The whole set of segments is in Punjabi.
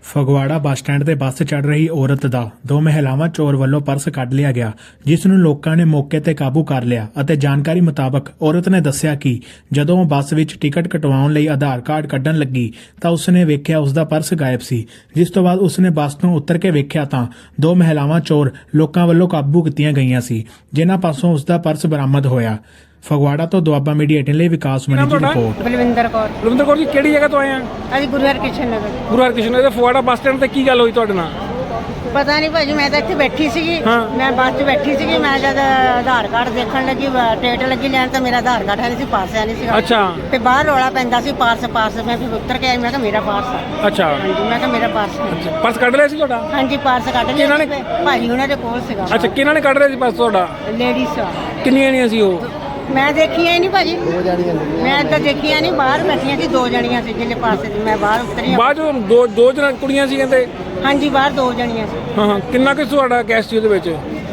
ਫਗਵਾੜਾ ਬੱਸ ਸਟੈਂਡ ਤੇ ਬੱਸ ਚੜ ਰਹੀ ਔਰਤ ਦਾ ਦੋ ਮਹਿਲਾਵਾਂ ਚੋਰ ਵੱਲੋਂ ਪਰਸ ਕੱਢ ਲਿਆ ਗਿਆ, ਜਿਸ ਨੂੰ ਲੋਕਾਂ ਨੇ ਮੌਕੇ ਤੇ ਕਾਬੂ ਕਰ ਲਿਆ ਅਤੇ ਜਾਣਕਾਰੀ ਮੁਤਾਬਕ ਔਰਤ ਨੇ ਦੱਸਿਆ ਕਿ ਜਦੋਂ ਉਹ ਬੱਸ ਵਿੱਚ ਟਿਕਟ ਕਟਵਾਉਣ ਲਈ ਆਧਾਰ ਕਾਰਡ ਕੱਢਣ ਲੱਗੀ ਤਾਂ ਉਸਨੇ ਵੇਖਿਆ ਉਸਦਾ ਪਰਸ ਗਾਇਬ ਸੀ। ਜਿਸ ਤੋਂ ਬਾਅਦ ਉਸਨੇ ਬੱਸ ਤੋਂ ਉਤਰ ਕੇ ਵੇਖਿਆ ਤਾਂ ਦੋ ਮਹਿਲਾਵਾਂ ਚੋਰ ਲੋਕਾਂ ਵੱਲੋਂ ਕਾਬੂ ਕੀਤੀਆਂ ਗਈਆਂ ਸੀ, ਜਿਨ੍ਹਾਂ ਪਾਸੋਂ ਉਸਦਾ ਪਰਸ ਬਰਾਮਦ ਹੋਇਆ। ਫਗਵਾੜਾ ਤੋਂ ਦੁਆਬਾ ਮੀਡੀਆ 18 ਲਈ ਵਿਕਾਸ ਮਣੀ ਦੀ ਰਿਪੋਰਟ। ਬਲਵਿੰਦਰ ਕੌਰ ਜੀ ਕਿਹੜੀ ਜਗ੍ਹਾ ਤੋਂ ਆਏ ਆ? ਅਸੀਂ ਗੁਰੂ ਹਰਕ੍ਰਿਸ਼ਨ ਨਗਰ। ਗੁਰੂ ਹਰਕ੍ਰਿਸ਼ਨ ਨਗਰ ਫਗਵਾੜਾ ਬੱਸ ਸਟੈਂਡ ਤੇ ਕੀ ਗੱਲ ਹੋਈ ਤੁਹਾਡੇ ਨਾਲ? ਪਤਾ ਨਹੀਂ ਭਾਜੀ, ਮੈਂ ਤਾਂ ਇੱਥੇ ਬੈਠੀ ਸੀਗੀ। ਮੈਂ ਬੱਸ 'ਚ ਬੈਠੀ ਸੀਗੀ। ਮੈਂ ਜਦ ਆਧਾਰ ਕਾਰਡ ਦੇਖਣ ਲੱਗੀ, ਟਿਕਟ ਲੱਗੀ ਲੈਣ, ਤਾਂ ਮੇਰਾ ਆਧਾਰ ਕਾਰਡ ਹੈ ਨਹੀਂ ਸੀ, ਪਾਸ ਹੈ ਨਹੀਂ ਸੀ। ਅੱਛਾ। ਤੇ ਬਾਹਰ ਰੌਲਾ ਪੈਂਦਾ ਸੀ ਪਾਰਸ। ਮੈਂ ਫਿਰ ਉੱਤਰ ਕੇ ਆਈ, ਮੈਂ ਕਿਹਾ ਮੇਰਾ ਪਾਰਸ ਆ। ਅੱਛਾ। ਹਾਂਜੀ, ਮੈਂ ਕਿਹਾ ਮੇਰਾ ਪਾਰਸ ਹੈ। ਪਰਸ ਕੱਢ ਲਿਆ ਸੀ ਤੁਹਾਡਾ? ਹਾਂਜੀ, ਪਾਰਸ ਕੱਢ ਲਿਆ ਭਾਜੀ, ਉਹਨਾਂ ਦੇ ਕੋਲ ਸੀਗਾ। ਅੱਛਾ, ਕਿਹਨਾਂ ਨੇ ਕੱਢ ਲਿਆ ਸੀ ਪਰਸ ਤੁਹਾਡਾ? ਲੇਡੀਜ਼। ਕਿੰਨੀਆਂ ਜਣੀਆਂ ਸੀ ਉਹ? ਮੈਂ ਦੇਖੀਆਂ ਹੀ ਨਹੀਂ ਭਾਜੀ, ਮੈਂ ਤਾਂ ਦੇਖੀਆਂ ਨਹੀਂ। ਬਾਹਰ ਬੈਠੀਆਂ ਸੀ, ਦੋ ਜਣੀਆਂ ਸੀ ਜਿਹਦੇ ਪਾਸੇ ਮੈਂ ਬਾਹਰ ਉਤਰੀ। ਬਾਅਦ ਦੋ ਜਣਾ ਕੁੜੀਆਂ ਸੀ ਕਹਿੰਦੇ? ਹਾਂਜੀ, ਬਾਹਰ ਦੋ ਜਣੀਆਂ ਸੀ। ਹਾਂ, ਕਿੰਨਾ ਕੁ ਤੁਹਾਡਾ ਕੈਸ਼ ਸੀ ਉਹਦੇ ਵਿੱਚ?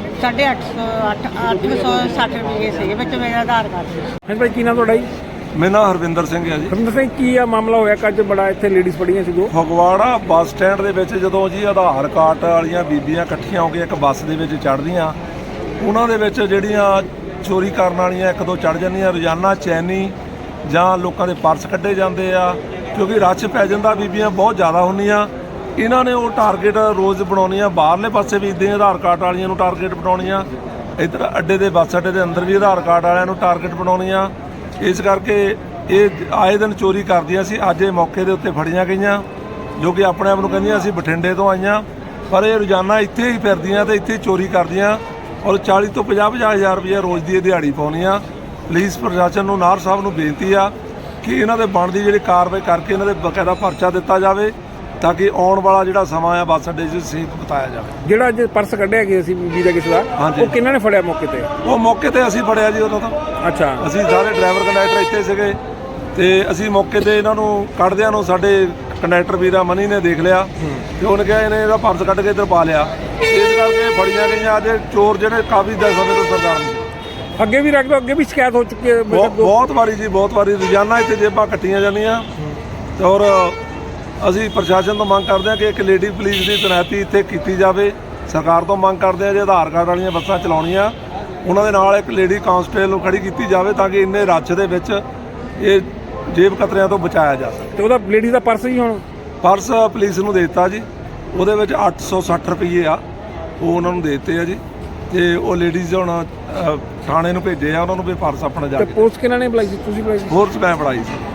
860 ਰੁਪਏ ਸੀ ਵਿੱਚ ਮੇਰਾ ਆਧਾਰ ਕਾਰਡ ਸੀ। ਹਾਂਜੀ ਭਾਈ, ਕੀ ਨਾਮ ਤੁਹਾਡਾ ਜੀ? ਮੇਰਾ ਨਾਮ ਹਰਵਿੰਦਰ ਸਿੰਘ ਹੈ ਜੀ। ਹਰਵਿੰਦਰ ਸਿੰਘ, ਕੀ ਆ ਮਾਮਲਾ ਹੋਇਆ ਕੱਜ ਬੜਾ ਇੱਥੇ ਲੇਡੀਜ਼ ਪੜੀਆਂ ਸੀ ਦੋ? ਫਗਵਾੜਾ ਬੱਸ ਸਟੈਂਡ ਦੇ ਵਿੱਚ ਜਦੋਂ ਜੀ ਆਧਾਰ ਕਾਰਡ ਵਾਲੀਆਂ ਬੀਬੀਆਂ ਇਕੱਠੀਆਂ ਹੋ ਕੇ ਇੱਕ ਬੱਸ ਦੇ ਵਿੱਚ ਚੜ੍ਹਦੀਆਂ, ਉਹਨਾਂ ਦੇ ਵਿੱਚ ਜਿਹੜੀਆਂ ਚੋਰੀ ਕਰਨ ਵਾਲੀਆਂ ਇੱਕ ਦੋ ਚੜ੍ਹ ਜਾਂਦੀਆਂ। ਰੋਜ਼ਾਨਾ ਚੈਨੀ ਜਾਂ ਲੋਕਾਂ ਦੇ ਪਰਸ ਕੱਢੇ ਜਾਂਦੇ ਆ, ਕਿਉਂਕਿ ਰੱਛ ਪੈ ਜਾਂਦਾ, ਬੀਬੀਆਂ ਬਹੁਤ ਜ਼ਿਆਦਾ ਹੁੰਦੀਆਂ। ਇਹਨਾਂ ਨੇ ਉਹ ਟਾਰਗੇਟ ਰੋਜ਼ ਬਣਾਉਣੀਆਂ, ਬਾਹਰਲੇ ਪਾਸੇ ਵੀ ਇੱਦਾਂ ਆਧਾਰ ਕਾਰਡ ਵਾਲੀਆਂ ਨੂੰ ਟਾਰਗੇਟ ਬਣਾਉਣੀਆਂ, ਇੱਧਰ ਅੱਡੇ ਦੇ ਬੱਸ ਅੱਡੇ ਦੇ ਅੰਦਰ ਵੀ ਆਧਾਰ ਕਾਰਡ ਵਾਲਿਆਂ ਨੂੰ ਟਾਰਗੇਟ ਬਣਾਉਣੀਆਂ। ਇਸ ਕਰਕੇ ਇਹ ਆਏ ਦਿਨ ਚੋਰੀ ਕਰਦੀਆਂ ਸੀ। ਅੱਜ ਇਹ ਮੌਕੇ ਦੇ ਉੱਤੇ ਫੜੀਆਂ ਗਈਆਂ, ਜੋ ਕਿ ਆਪਣੇ ਆਪ ਨੂੰ ਕਹਿੰਦੀਆਂ ਅਸੀਂ ਬਠਿੰਡੇ ਤੋਂ ਆਈਆਂ, ਪਰ ਇਹ ਰੋਜ਼ਾਨਾ ਇੱਥੇ ਹੀ ਫਿਰਦੀਆਂ ਤੇ ਇੱਥੇ ਚੋਰੀ ਕਰਦੀਆਂ ਔਰ 40 ਤੋਂ 50 ਹਜ਼ਾਰ ਰੁਪਏ ਰੋਜ਼ ਦੀ ਇਹ ਦਿਹਾੜੀ ਪਾਉਣੀ ਆ। ਪੁਲਿਸ ਪ੍ਰਸ਼ਾਸਨ ਨੂੰ, ਨਾਰ ਸਾਹਿਬ ਨੂੰ ਬੇਨਤੀ ਆ ਕਿ ਇਹਨਾਂ ਦੇ ਬਣਦੀ ਜਿਹੜੀ ਕਾਰਵਾਈ ਕਰਕੇ ਇਹਨਾਂ ਦੇ ਬਕਾਇਦਾ ਪਰਚਾ ਦਿੱਤਾ ਜਾਵੇ, ਤਾਂ ਕਿ ਆਉਣ ਵਾਲਾ ਜਿਹੜਾ ਸਮਾਂ ਆ ਬੱਸ ਅੱਡੇ 'ਚ ਸੇਫ ਬਿਤਾਇਆ ਜਾਵੇ। ਜਿਹੜਾ ਅੱਜ ਪਰਸ ਕੱਢਿਆ ਗਿਆ ਸੀ ਬੀਬੀ ਦਾ ਕਿਸੇ ਦਾ, ਉਹ ਕਿਹਨਾਂ ਨੇ ਫੜਿਆ ਮੌਕੇ ਤੇ? ਉਹ ਮੌਕੇ ਤੇ ਅਸੀਂ ਫੜਿਆ ਜੀ ਉਦੋਂ ਤਾਂ। ਅੱਛਾ। ਅਸੀਂ ਸਾਰੇ ਡਰਾਈਵਰ ਕੰਡਕਟਰ ਇੱਥੇ ਸੀਗੇ ਤੇ ਅਸੀਂ ਮੌਕੇ ਤੇ ਇਹਨਾਂ ਨੂੰ ਕੱਢਦਿਆਂ ਨੂੰ ਸਾਡੇ ਕੰਡਕਟਰ ਵੀਰਾ ਮਨੀ ਨੇ ਦੇਖ ਲਿਆ ਤੇ ਉਹਨੇ ਕਿਹਾ ਇਹਨੇ ਇਹਦਾ ਪਰਸ ਕੱਢ ਕੇ ਇੱਧਰ ਪਾ ਲਿਆ। ਇਸ ਕਰਕੇ ਫੜੀਆਂ ਗਈਆਂ। ਅੱਜ ਚੋਰ ਜਿਹੜੇ ਕਾਫੀ ਦਾ ਸਮੇਂ ਤੋਂ ਸਰਕਾਰ ਨੇ ਅੱਗੇ ਵੀ ਰੱਖ ਲਓ, ਅੱਗੇ ਵੀ ਸ਼ਿਕਾਇਤ ਹੋ ਚੁੱਕੀ ਹੈ ਬਹੁਤ ਵਾਰੀ ਜੀ, ਬਹੁਤ ਵਾਰੀ। ਰੋਜ਼ਾਨਾ ਇੱਥੇ ਜੇਬਾਂ ਕੱਟੀਆਂ ਜਾਂਦੀਆਂ ਔਰ ਅਸੀਂ ਪ੍ਰਸ਼ਾਸਨ ਤੋਂ ਮੰਗ ਕਰਦੇ ਹਾਂ ਕਿ ਇੱਕ ਲੇਡੀ ਪੁਲਿਸ ਦੀ ਤੈਨਾਤੀ ਇੱਥੇ ਕੀਤੀ ਜਾਵੇ। ਸਰਕਾਰ ਤੋਂ ਮੰਗ ਕਰਦੇ ਹਾਂ ਜੇ ਆਧਾਰ ਕਾਰਡ ਵਾਲੀਆਂ ਬੱਸਾਂ ਚਲਾਉਣੀਆਂ, ਉਹਨਾਂ ਦੇ ਨਾਲ ਇੱਕ ਲੇਡੀ ਕਾਂਸਟੇਬਲ ਨੂੰ ਖੜੀ ਕੀਤੀ ਜਾਵੇ, ਤਾਂ ਕਿ ਇੰਨੇ ਰੱਛ ਦੇ ਵਿੱਚ ਇਹ ਜੇਬ ਕਤਰਿਆਂ ਤੋਂ ਬਚਾਇਆ ਜਾ ਸਕੇ। ਤੇ ਉਹਦਾ ਲੇਡੀ ਦਾ ਪਰਸ ਹੀ ਹੁਣ? ਪਰਸ ਪੁਲਿਸ ਨੂੰ ਦੇ ਦਿੱਤਾ ਜੀ, ਉਹਦੇ ਵਿੱਚ 860 ਰੁਪਏ ਆ, ਉਹ ਉਹਨਾਂ ਨੂੰ ਦੇ ਦਿੱਤੇ ਆ ਜੀ। ਤੇ ਉਹ ਲੇਡੀਜ਼ ਹੁਣ ਥਾਣੇ ਨੂੰ ਭੇਜੇ ਆ, ਉਹਨਾਂ ਨੂੰ ਵੀ ਪਰਸ ਆਪਣਾ ਜਾ ਕੇ। ਪੁਲਿਸ ਕਿਹਨਾਂ ਨੇ ਬੁਲਾਈ ਸੀ? ਤੁਸੀਂ ਬੁਲਾਈ ਸੀ? ਫੋਰਸ ਮੈਂ ਫੜਾਈ ਸੀ।